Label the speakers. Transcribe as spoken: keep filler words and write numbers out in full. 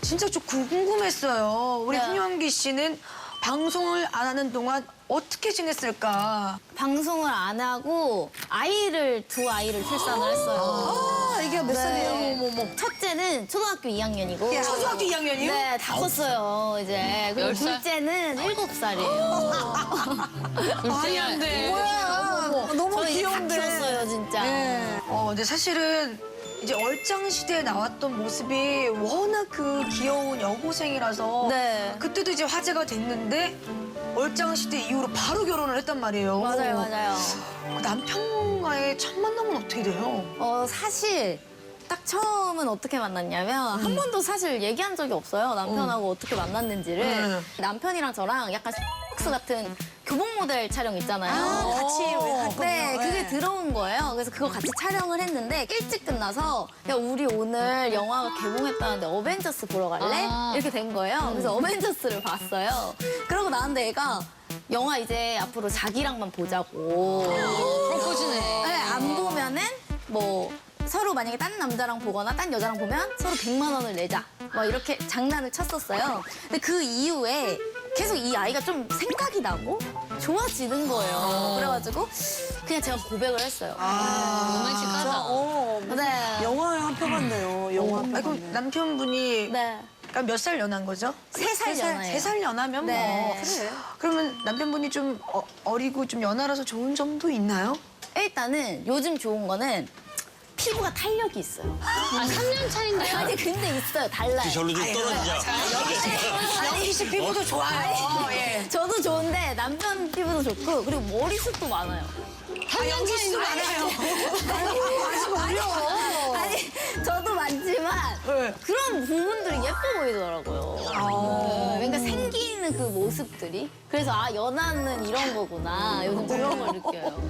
Speaker 1: 진짜 좀 궁금했어요. 우리
Speaker 2: 네.
Speaker 1: 홍영기 씨는 방송을 안 하는 동안 어떻게 지냈을까?
Speaker 2: 방송을 안 하고 아이를 두 아이를 출산을 했어요.
Speaker 1: 아, 이게 몇 살이에요?
Speaker 2: 어머머. 첫째는 초등학교 이 학년이고
Speaker 1: 초등학교 이 학년이요?
Speaker 2: 네, 다 컸어요, 이제. 그리고
Speaker 3: 열 살?
Speaker 2: 둘째는 일곱 살이에요.
Speaker 1: 말이 안 돼.
Speaker 4: 뭐야? 너무
Speaker 2: 저희
Speaker 4: 귀여운데.
Speaker 2: 다 키웠어요, 진짜.
Speaker 4: 네.
Speaker 1: 어, 근데 사실은 이제 얼짱 시대에 나왔던 모습이 워낙 그 귀여운 여고생이라서
Speaker 2: 네.
Speaker 1: 그때도 이제 화제가 됐는데 얼짱 시대 이후로 바로 결혼을 했단 말이에요.
Speaker 2: 맞아요, 맞아요.
Speaker 1: 그 남편과의 첫 만남은 어떻게 돼요?
Speaker 2: 어, 사실 딱 처음은 어떻게 만났냐면 한 번도 사실 얘기한 적이 없어요. 남편하고 어. 떻게 만났는지를.
Speaker 1: 음.
Speaker 2: 남편이랑 저랑 약간 X 같은 교복 모델 촬영 있잖아요.
Speaker 1: 아, 같이 했군요.
Speaker 2: 네, 그게
Speaker 1: 네.
Speaker 2: 들어온 거예요. 그래서 그거 같이 촬영을 했는데 일찍 끝나서 야, 우리 오늘 영화가 개봉했다는데 어벤져스 보러 갈래?
Speaker 3: 아.
Speaker 2: 이렇게 된 거예요. 그래서 어벤져스를 봤어요. 그러고 나는데 애가 영화 이제 앞으로 자기랑만 보자고.
Speaker 3: 프로포즈네.
Speaker 2: 네, 안 보면은 뭐 서로 만약에 딴 남자랑 보거나 딴 여자랑 보면 서로 백만 원을 내자. 막 이렇게 장난을 쳤었어요. 근데 그 이후에 계속 이 아이가 좀 생각이 나고 좋아지는 거예요. 그래가지고 그냥 제가 고백을 했어요.
Speaker 3: 로맨틱하다.
Speaker 4: 어,
Speaker 2: 네.
Speaker 4: 영화의 한 표 같네요. 영화 한
Speaker 1: 아,
Speaker 4: 표
Speaker 1: 그럼
Speaker 4: 같네.
Speaker 1: 남편분이
Speaker 2: 네.
Speaker 1: 그러니까 몇 살 연한 거죠?
Speaker 2: 세 살 연하예요.
Speaker 1: 세 살 연하면
Speaker 2: 네.
Speaker 1: 뭐. 그래. 그러면 남편분이 좀 어, 어리고 좀 연하라서 좋은 점도 있나요?
Speaker 2: 일단은 요즘 좋은 거는 피부가 탄력이 있어요.
Speaker 3: 아, 삼 년 차인데요?
Speaker 2: 아니 근데 있어요. 달라요.
Speaker 5: 절로 좀 떨어지자.
Speaker 1: 영희 씨 피부도 좋아요. 예.
Speaker 2: 저도 좋은데 남편 피부도 좋고 그리고 머리숱도 많아요.
Speaker 3: 삼 년 차인데?
Speaker 1: 많아요.
Speaker 4: 아직 어려.
Speaker 2: 아니 저도 많지만
Speaker 1: 네.
Speaker 2: 그런 부분들이 예뻐 보이더라고요. 네, 그러니까 생기는 그 모습들이. 그래서 아 연하는 이런 거구나. 요즘 그런 걸 느껴요.